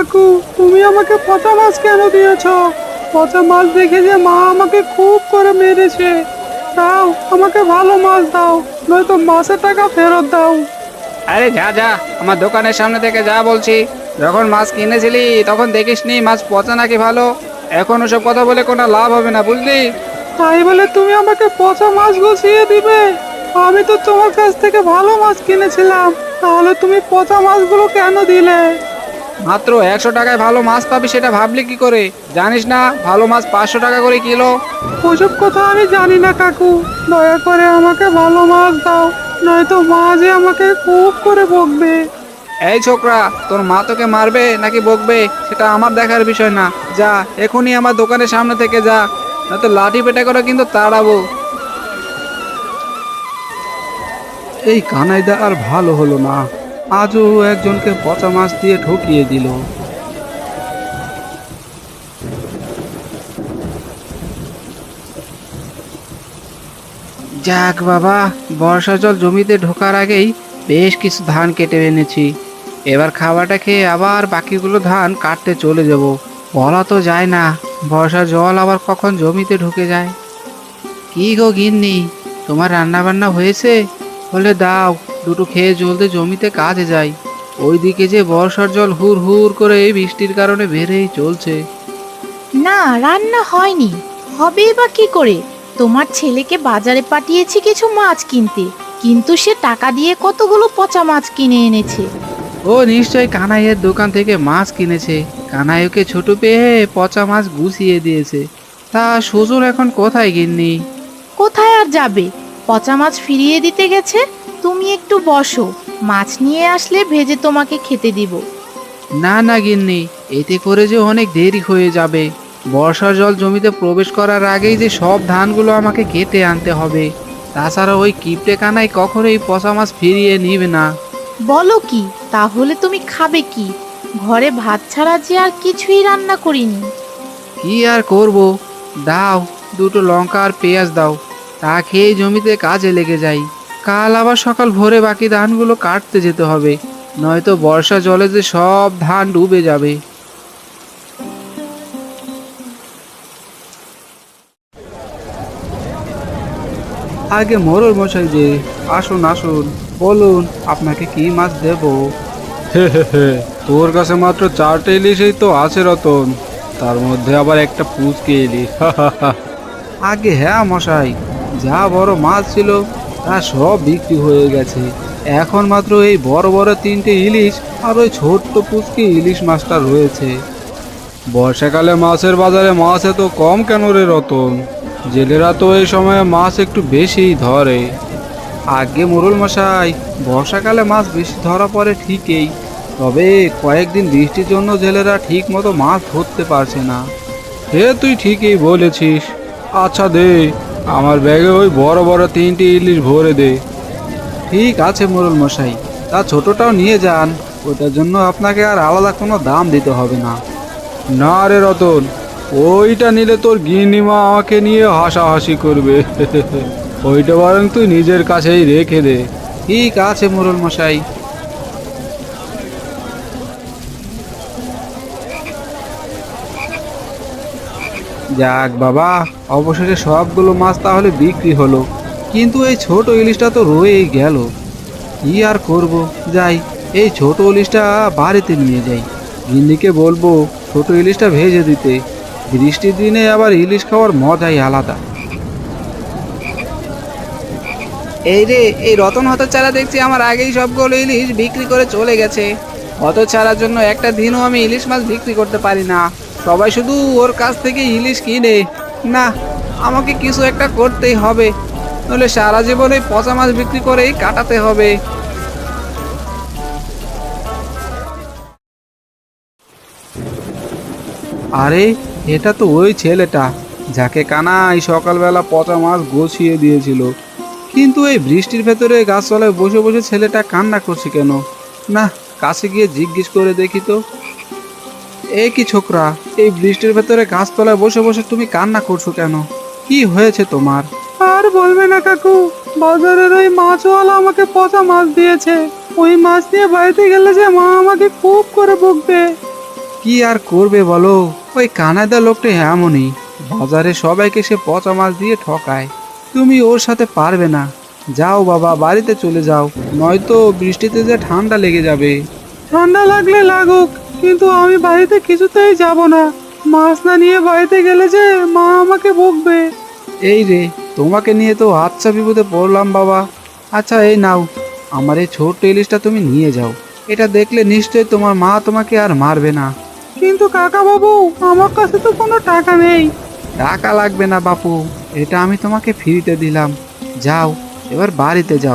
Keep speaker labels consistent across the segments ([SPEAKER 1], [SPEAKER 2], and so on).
[SPEAKER 1] কাকু, তুমি আমাকে পচা মাছ কেন দিয়েছো? পচা মাছ দেখে যে মা আমাকে খুব করে মেরেছে। দাও, আমাকে ভালো মাছ দাও, নয়তো মাছের টাকা ফেরত দাও।
[SPEAKER 2] আরে যা যা, আমার দোকানের সামনে থেকে যা বলছি। যখন মাছ কিনেছিলি তখন দেখিসনি মাছ পচা নাকি ভালো? এখন ওসব কথা বলে কোনো লাভ হবে না, বুঝলি?
[SPEAKER 1] তাই বলে তুমি আমাকে পচা মাছ গুছিয়ে দিবে? আমি তো তোমার কাছ থেকে ভালো মাছ কিনেছিলাম, তাহলে তুমি পচা মাছগুলো কেন দিলে?
[SPEAKER 2] মাত্র 100 টাকায় ভালো মাছ পাবি সেটা ভাবলি কি করে? জানিস না ভালো মাছ 500 টাকা করে কিলো?
[SPEAKER 1] ওসব কথা আমি জানি না কাকু, দয়া করে আমাকে ভালো মাছ দাও, নয়তো মা যে আমাকে খুব করে বকবে।
[SPEAKER 2] এই ছোকরা, তোর মা তোকে মারবে নাকি বকবে সেটা আমার দেখার বিষয় না। যা, এখনই আমার দোকানের সামনে থেকে যা, নয়তো লাঠি পেটা করে কিন্তু তাড়াবো।
[SPEAKER 1] এই কানাইদা আর ভালো হলো না, আজও একজনকে পচা মাছ দিয়ে ঠকিয়ে দিল।
[SPEAKER 2] যাক বাবা, বর্ষা জল জমিতে ঢোকার আগেই বেশ কিছু ধান কেটে এনেছি। এবার খাবারটা খেয়ে আবার বাকিগুলো ধান কাটতে চলে যাব। বলা তো যায় না বর্ষা জল আবার কখন জমিতে ঢুকে যায়। কি গো গিন্নি, তোমার রান্না বান্না হয়েছে? বলে দাও, দুটো খেয়ে জলদি জমিতে কাজে যাই। ওইদিকে যে বর্ষার জল হুর হুর করে এই বৃষ্টির কারণে বেড়েই চলছে।
[SPEAKER 3] না, রান্না হয়নি। হবেই বা কি করে? তোমার ছেলেকে বাজারে পাঠিয়েছি কিছু মাছ কিনতে, কিন্তু সে টাকা দিয়ে কতগুলো পচা মাছ কিনে এনেছে।
[SPEAKER 2] ও নিশ্চয় কানাইয়ের দোকান থেকে মাছ কিনেছে। কানাই ওকে ছোট পেয়ে পচা মাছ গুছিয়ে দিয়েছে। তা সুজন এখন কোথায় গিন্নি?
[SPEAKER 3] কোথায় আর যাবে? পচা মাছ ফিরিয়ে দিতে গেছে। তুমি একটু বসো, মাছ নিয়ে আসলে ভেজে তোমাকে খেতে দিব।
[SPEAKER 2] না না গিন্নি, এতে করে যে অনেক দেরি হয়ে যাবে। বর্ষার জল জমিতে প্রবেশ করার আগেই যে সব ধানগুলো আমাকে কেটে আনতে হবে। তাছাড়া ওই কিপটে কানাই কখনোই পচা মাছ ফিরিয়ে নিবে না।
[SPEAKER 3] বলো কি? তাহলে তুমি খাবে কি? ঘরে ভাত ছাড়া যে আর কিছুই রান্না করিনি।
[SPEAKER 2] কি আর করব, দাও দুটো লঙ্কা আর পেঁয়াজ দাও, তা খেয়েই জমিতে কাজে লেগে যাই। কাল আবার সকাল ভোরে বাকি ধানগুলো কাটতে যেতে হবে, নয়তো বর্ষা জলে যে সব ধান ডুবে যাবে।
[SPEAKER 1] আগে মোরল মশাই যে, আসুন আসুন, বলুন আপনাকে কি মাছ দেব? হে হে হে, তোর কাছে মাত্র 4টে ইলিশই তো আছে রতন, তার মধ্যে আবার একটা পুচকে ইলিশ। আগে হ্যাঁ মশাই, যা বড় মাছ ছিল তা সব বিক্রি হয়ে গেছে। এখন মাত্র এই বড় বড় 3টে ইলিশ আর ওই ছোট্ট পুচকে ইলিশ মাছটা রয়েছে। বর্ষাকালে মাছের বাজারে মাছ এত কম কেন রে রতন? জেলেরা তো এই সময়ে মাছ একটু বেশিই ধরে। আগে মোরল মশাই, বর্ষাকালে মাছ বেশি ধরা পড়ে ঠিকই, তবে কয়েকদিন বৃষ্টির জন্য জেলেরা ঠিক মতো মাছ ধরতে পারছে না। হে তুই ঠিকই বলেছিস। আচ্ছা দে, আমার ব্যাগে ওই বড় বড় 3টে ইলিশ ভরে দে। ঠিক আছে মোরল মশাই, তা ছোটটাও নিয়ে যান, ওটার জন্য আপনাকে আর আলাদা কোনো দাম দিতে হবে না। না রে রতন, ওইটা নিলে তোর গিন্নিমা আমাকে নিয়ে হাসাহাসি করবে। ওইটা বরং তুই নিজের কাছেই রেখে দে। ঠিক আছে মোরল মশাই। যাক বাবা, অবশেষে সবগুলো মাছ তাহলে বিক্রি হলো, কিন্তু এই ছোট ইলিশটা তো রয়েই গেল। কি আর করব, যাই এই ছোট ইলিশটা বাড়িতে নিয়ে যাই, গিন্নিকে বলবো ছোট ইলিশটা ভেজে দিতে। বৃষ্টির দিনে আবার ইলিশ খাওয়ার মজাই আলাদা।
[SPEAKER 2] এই রে, এই রতন হতচ্ছাড়া দেখছি আমার আগেই সবগুলো ইলিশ বিক্রি করে চলে গেছে। হতচ্ছাড়ার জন্য একটা দিনও আমি ইলিশ মাছ বিক্রি করতে পারি না। সবাই শুধু ওর কাছ থেকে ইলিশ কিনে। না, আমাকে কিছু একটা করতেই হবে, নইলে সারা জীবন ওই পচা মাছ বিক্রি করেই কাটাতে হবে।
[SPEAKER 1] আরে, এটা তো ওই ছেলেটা যাকে কানাই সকালবেলা পচা মাছ গুছিয়ে দিয়েছিল। কিন্তু এই বৃষ্টির ভেতরে গাছতলায় বসে বসে ছেলেটা কান্না করছে কেন? না, কাছে গিয়ে জিজ্ঞেস করে দেখি তো। এ কি ছোকরা, এই বৃষ্টির ভেতরে গাছতলায় বসে বসে তুমি কান্না করছো কেন? কি হয়েছে তোমার? আর বলবে না কাকু, বাজারের ওই মাছওয়ালা আমাকে পচা মাছ দিয়েছে। ওই মাছ নিয়ে বাড়িতে গেলে যে মা আমাকে খুব করে বকবে। কি আর করবে বলো, ওই কানাডা লোকটা এমনই, বাজারে সবাইকে সে পচা মাছ দিয়ে ঠকায়। তুমি ওর সাথে পারবে না। যাও বাবা, বাড়িতে চলে যাও, নয়তো বৃষ্টিতে যে ঠান্ডা লেগে যাবে। ঠান্ডা লাগলে লাগুক, কিন্তু আমি বাড়িতে কিছুতেই যাব না। মাছ না নিয়ে বাড়িতে গেলে যে মা আমাকে বকবে। এই রে, তোমাকে নিয়ে তো আচ্ছা বিপদে পড়লাম বাবা। আচ্ছা এই নাও, আমার এই ছোট্ট ইলিশটা তুমি নিয়ে যাও। এটা দেখলে নিশ্চয়ই তোমার মা তোমাকে আর মারবে না। কিন্তু কাকা বাবু, আমার কাছে তো কোনো টাকা নেই। টাকা লাগবে না বাপু, এটা আমি তোমাকে ফ্রিতে দিলাম। যাও, এবার বাড়িতে যাও।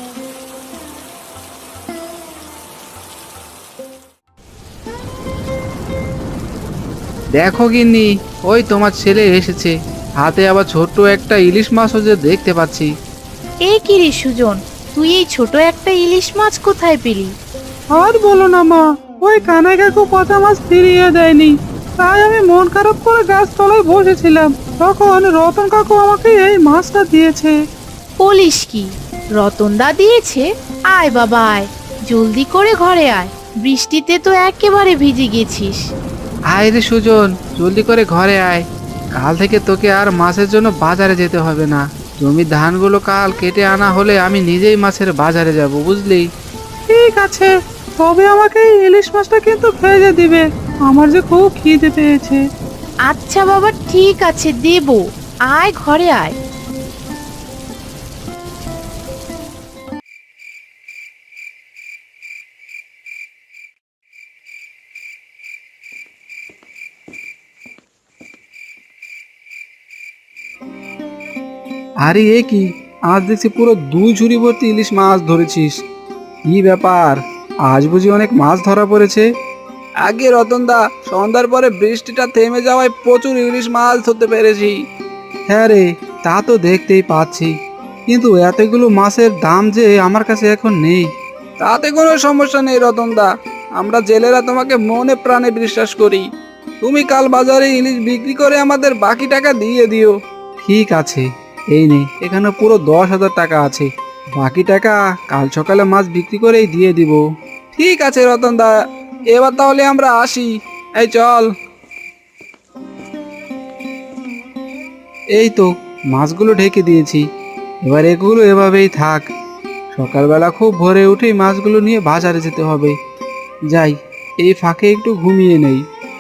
[SPEAKER 1] দেখো গিন্নি, ওই তোমার ছেলে এসেছে, হাতে আবার ছোট্ট একটা ইলিশ মাছও যে দেখতে পাচ্ছি।
[SPEAKER 3] এ কি রে সুজন, তুই এই ছোট একটা ইলিশ মাছ কোথায় পেলি?
[SPEAKER 1] আর বলো না মা, ওই কানাই কাকু পচা মাছ ফিরিয়ে দেয়নি, তাই আমি মন খারাপ করে গাছ তলায় বসেছিলাম, তখন রতন কাকু আমাকে এই মাছটা দিয়েছে।
[SPEAKER 3] বলিস কি, রতনদা দিয়েছে? আয় বাবা আয়, জলদি করে ঘরে আয়, বৃষ্টিতে তো একেবারে ভিজে গেছিস।
[SPEAKER 2] আয় রে সুজন, জলদি করে ঘরে আয়। কাল থেকে তোকে আর মাছের জন্য বাজারে যেতে হবে না। জমির ধানগুলো কাল কেটে আনা হলে আমি নিজেই মাছের বাজারে যাব, বুঝলি?
[SPEAKER 1] ঠিক আছে, তবে আমাকে এই ইলিশ মাছটা কিন্তু ভেজে দিবে, আমার যে খুব খিদে পেয়েছে।
[SPEAKER 3] আচ্ছা বাবা, ঠিক আছে দেব, আয় ঘরে আয়।
[SPEAKER 1] আরে এ কি, আজ দেখছি পুরো 2 ঝুড়ি ভর্তি ইলিশ মাছ ধরেছিস। কি ব্যাপার, আজ বুঝি অনেক মাছ ধরা পড়েছে? আগে রতনদা, সন্ধ্যার পরে বৃষ্টিটা থেমে যাওয়ায় প্রচুর ইলিশ মাছ ধরতে পেরেছি। হ্যাঁ রে, তা তো দেখতেই পাচ্ছি, কিন্তু এতগুলো মাছের দাম যে আমার কাছে এখন নেই। তাতে কোনো সমস্যা নেই রতনদা, আমরা জেলেরা তোমাকে মনে প্রাণে বিশ্বাস করি। তুমি কাল বাজারে ইলিশ বিক্রি করে আমাদের বাকি টাকা দিয়ে দিও। ঠিক আছে, এই নে, এখানে পুরো 10,000 টাকা আছে, বাকি টাকা কাল সকালে মাছ বিক্রি করেই দিয়ে দিব। ঠিক আছে রতনদা, এবার তাহলে আমরা আসি। এই চল। এই তো, মাছগুলো ঢেকে দিয়েছি, এবার এগুলো এভাবেই থাক। সকালবেলা খুব ভোরে উঠেই মাছগুলো নিয়ে বাজারে যেতে হবে। যাই, এই ফাঁকে একটু ঘুমিয়ে নেই।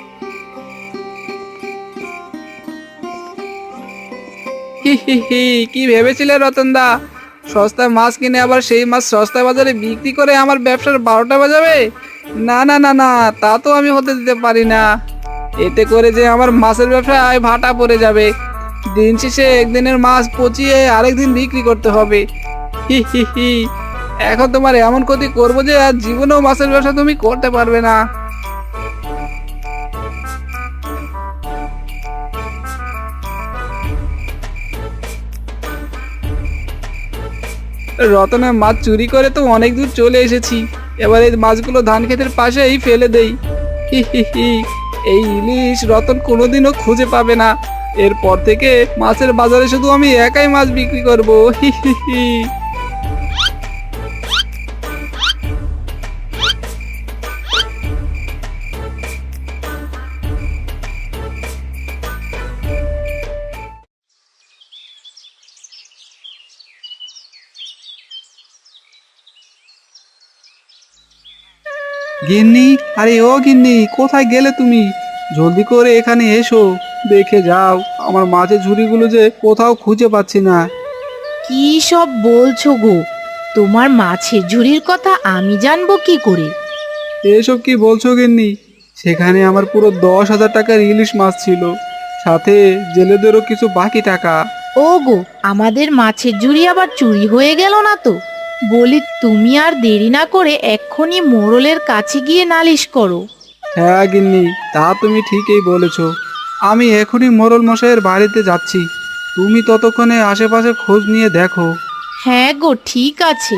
[SPEAKER 1] হি হি হি, কি ভেবেছিলে রতনদা, সস্তায় মাছ কিনে আবার সেই মাছ সস্তায় বাজারে বিক্রি করে আমার ব্যবসার 12টা বাজাবে? না না না না, তা তো আমি হতে দিতে পারি না। এতে করে যে আমার মাছের ব্যবসায় ভাটা পড়ে যাবে, দিন শেষে একদিনের মাছ পচিয়ে আরেকদিন বিক্রি করতে হবে। হি হি হি, এখন তোমার এমন ক্ষতি করবো যে আর জীবনেও মাছের ব্যবসা তুমি করতে পারবে না। রতনের মাছ চুরি করে তো অনেক দূর চলে এসেছি, এবার এই মাছগুলো ধান ক্ষেতের পাশেই ফেলে দেই। হি হি হি, এই ইলিশ রতন কোনোদিনও খুঁজে পাবে না, এরপর থেকে মাছের বাজারে শুধু আমি একাই মাছ বিক্রি করব। হি হি হি। গিন্নি, আরে ও গিন্নি, কোথায় গেলে তুমি? জলদি করে এখানে এসো, দেখে যাও আমার মাছের ঝুড়িগুলো যে কোথাও খুঁজে পাচ্ছি না।
[SPEAKER 3] কি সব বলছো গো? তোমার মাছের ঝুড়ির কথা আমি জানবো কি করে?
[SPEAKER 1] এসব কি বলছো গিন্নি? সেখানে আমার পুরো 10,000 টাকার ইলিশ মাছ ছিল, সাথে জেলেদেরও কিছু বাকি টাকা।
[SPEAKER 3] ও গো, আমাদের মাছের ঝুড়ি আবার চুরি হয়ে গেল না তো? বলি, তুমি আর দেরি না করে এক্ষুনি মোড়লের কাছে গিয়ে নালিশ করো।
[SPEAKER 1] হ্যাঁ গিন্নি, তা তুমি ঠিকই বলেছো, আমি এখনই মোড়ল মশাইয়ের বাড়িতে যাচ্ছি, তুমি ততক্ষণে আশেপাশে খোঁজ নিয়ে দেখো।
[SPEAKER 3] হ্যাঁ গো, ঠিক আছে।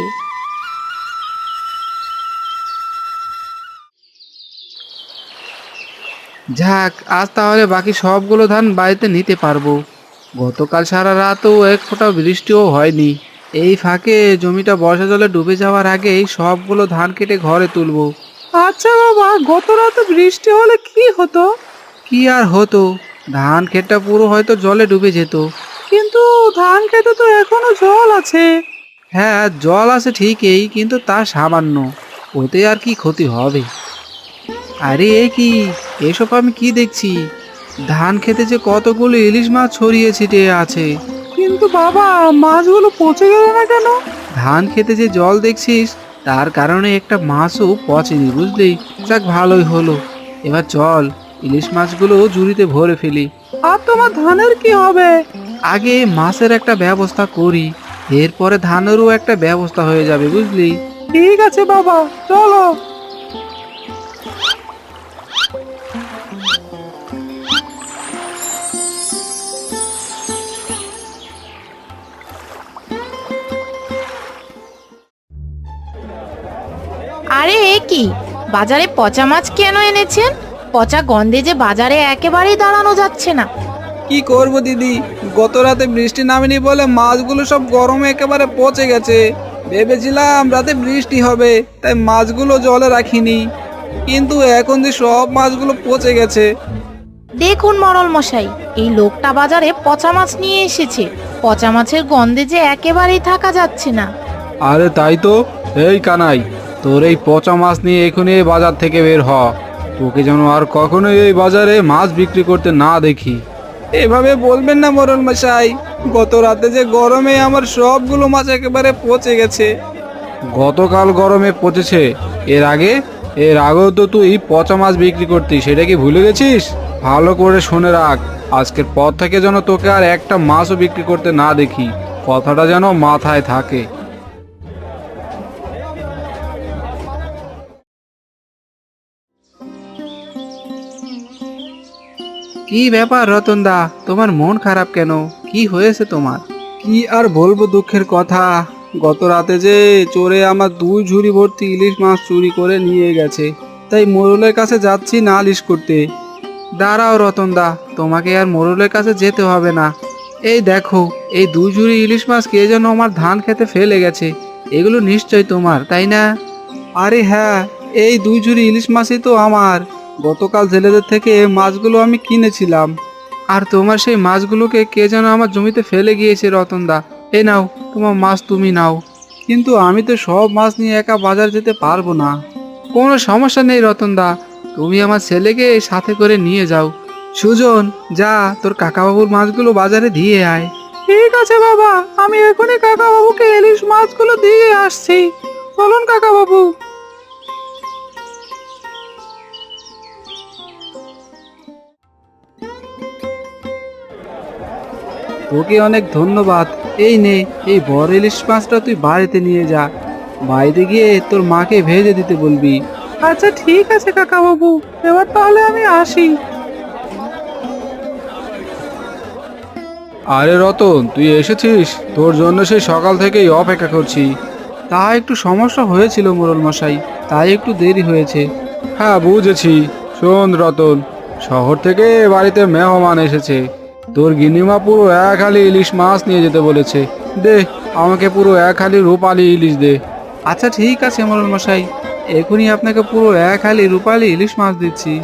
[SPEAKER 2] যাক, আজ তাহলে বাকি সবগুলো ধান বাড়িতে নিতে পারবো। গতকাল সারা রাতও এক ফোঁটা বৃষ্টিও হয়নি। এই ফাঁকে জমিটা বর্ষা জলে ডুবে যাওয়ার আগেই সবগুলো ধান কেটে ঘরে তুলবো।
[SPEAKER 1] আচ্ছা বাবা, গত রাতে বৃষ্টি হলে কি হতো?
[SPEAKER 2] কি আর হতো, ধান ক্ষেতটা পুরো হয়তো জলে ডুবে যেত।
[SPEAKER 1] কিন্তু ধান খেতে তো এখনো জল আছে।
[SPEAKER 2] হ্যাঁ, জল আছে ঠিকই, কিন্তু তা সামান্য, ওতে আর কি ক্ষতি হবে? আরে এ কি, এসব আমি কি দেখছি? ধান খেতে যে কতগুলো ইলিশ মাছ ছড়িয়ে ছিটিয়ে আছে।
[SPEAKER 1] কিন্তু বাবা, মাছগুলো পচে গেল না কেন?
[SPEAKER 2] ধান খেতে যে জল দেখছিস, তার কারণে একটা মাছও পচেনি, বুঝলি? যাক, ভালোই হলো। এবার চল, ইলিশ মাছগুলো ঝুড়িতে ভরে ফেলি।
[SPEAKER 1] আর তোমার ধানের কি হবে?
[SPEAKER 2] আগে মাছের একটা ব্যবস্থা করি, এরপরে ধানেরও একটা ব্যবস্থা হয়ে যাবে, বুঝলি?
[SPEAKER 1] ঠিক আছে বাবা, চলো।
[SPEAKER 3] আরে এ কি, বাজারে পচা মাছ কেন এনেছেন? পচা গন্ধে যে বাজারে একেবারেই দাঁড়ানো যাচ্ছে না।
[SPEAKER 1] কি করব দিদি, গত রাতে বৃষ্টি নামেনি বলে মাছগুলো সব গরমে একেবারে পচে গেছে। ভেবেছিলাম রাতে বৃষ্টি হবে, তাই মাছগুলো জলে রাখিনি, কিন্তু এখন যে সব মাছগুলো পচে গেছে।
[SPEAKER 3] দেখুন মরল মশাই, এই লোকটা বাজারে পচা মাছ নিয়ে এসেছে। পচা মাছের গন্ধে যে একেবারেই থাকা যাচ্ছে না।
[SPEAKER 1] আরে তাই তো। এই কানাই, তোর এই পচা মাছ নিয়ে এখনই এই বাজার থেকে বের হ। তোকে যেন আর কখনো এই বাজারে মাছ বিক্রি করতে না দেখি। এভাবে বলবেন না মোরল মশাই, গত রাতে যে গরমে আমার সবগুলো মাছ একেবারে পচে গেছে। গতকাল গরমে পচেছে, এর আগেও তো তুই পচা মাছ বিক্রি করতি, সেটা কি ভুলে গেছিস? ভালো করে শুনে রাখ, আজকের পর থেকে যেন তোকে আর একটা মাছও বিক্রি করতে না দেখি, কথাটা যেন মাথায় থাকে।
[SPEAKER 2] কি ব্যাপার রতনদা, তোমার মন খারাপ কেন? কি হয়েছে তোমার?
[SPEAKER 1] কি আর বলবো দুঃখের কথা, গত রাতে যে চোরে আমার 2 ঝুড়ি ভর্তি ইলিশ মাছ চুরি করে নিয়ে গেছে, তাই মোড়লের কাছে যাচ্ছি নালিশ করতে।
[SPEAKER 2] দাঁড়াও রতনদা, তোমাকে আর মোড়লের কাছে যেতে হবে না। এই দেখো, এই 2 ঝুড়ি ইলিশ মাছ কে যেন আমার ধান খেতে ফেলে গেছে। এগুলো নিশ্চয় তোমার, তাই না?
[SPEAKER 1] আরে হ্যাঁ, এই 2 ঝুড়ি ইলিশ মাছই তো আমার। গতকাল জেলেদের থেকে মাছগুলো আমি কিনেছিলাম।
[SPEAKER 2] আর তোমার সেই মাছগুলোকে কে যেন আমার জমিতে ফেলে গিয়েছে রতনদা। এই নাও, তোমার মাছ তুমি নাও।
[SPEAKER 1] কিন্তু আমি তো সব মাছ নিয়ে একা বাজার যেতে পারবো না।
[SPEAKER 2] কোনো সমস্যা নেই রতনদা, তুমি আমার ছেলেকে সাথে করে নিয়ে যাও। সুজন, যা তোর কাকাবাবুর মাছগুলো বাজারে দিয়ে আয়।
[SPEAKER 1] ঠিক আছে বাবা, আমি এখনই কাকা বাবুকে ইলিশ মাছগুলো দিয়ে আসছি। চলুন কাকা বাবু। তোকে অনেক ধন্যবাদ। এই নে, এই বড় ইলিশ মাছটা তুই বাড়িতে নিয়ে যা। বাড়িতে গিয়ে তোর মাকে ভেজে দিতে বলবি। আচ্ছা ঠিক আছে কাকা বাবু, এবার তাহলে আমি আসি। আরে রতন, তুই এসেছিস? তোর জন্য সেই সকাল থেকেই অপেক্ষা করছি। তা একটু সমস্যা হয়েছিল মোড়ল মশাই, তাই একটু দেরি হয়েছে। হ্যাঁ বুঝেছি। শোন রতন, শহর থেকে বাড়িতে মেহমান এসেছে, তোর গিন্নিমা পুরো 1 হালি ইলিশ মাছ নিয়ে যেতে বলেছে। দে, আমাকে পুরো 1 হালি রূপালি ইলিশ দে। আচ্ছা ঠিক আছে মোড়ল মশাই, এখনই আপনাকে পুরো 1 হালি রূপালি ইলিশ মাছ দিচ্ছি।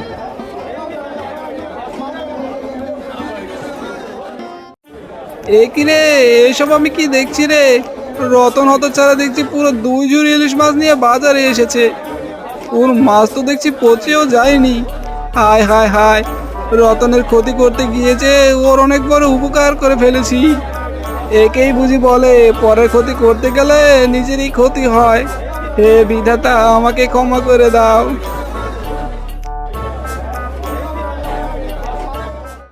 [SPEAKER 1] এ কি রে, এসব আমি কি দেখছি রে? রতন হতচ্ছাড়া দেখছি পুরো 2 ঝুড়ি ইলিশ মাছ নিয়ে বাজারে এসেছে। ওর মাছ তো দেখছি পচেও যায়নি। হায় হায় হায়, রতনের ক্ষতি করতে গিয়েছে, ওর অনেক বড় উপকার করে ফেলেছি। একেই বুঝি বলে পরের ক্ষতি করতে গেলে নিজেরই ক্ষতি হয়। হে বিধাতা, আমাকে ক্ষমা করে দাও।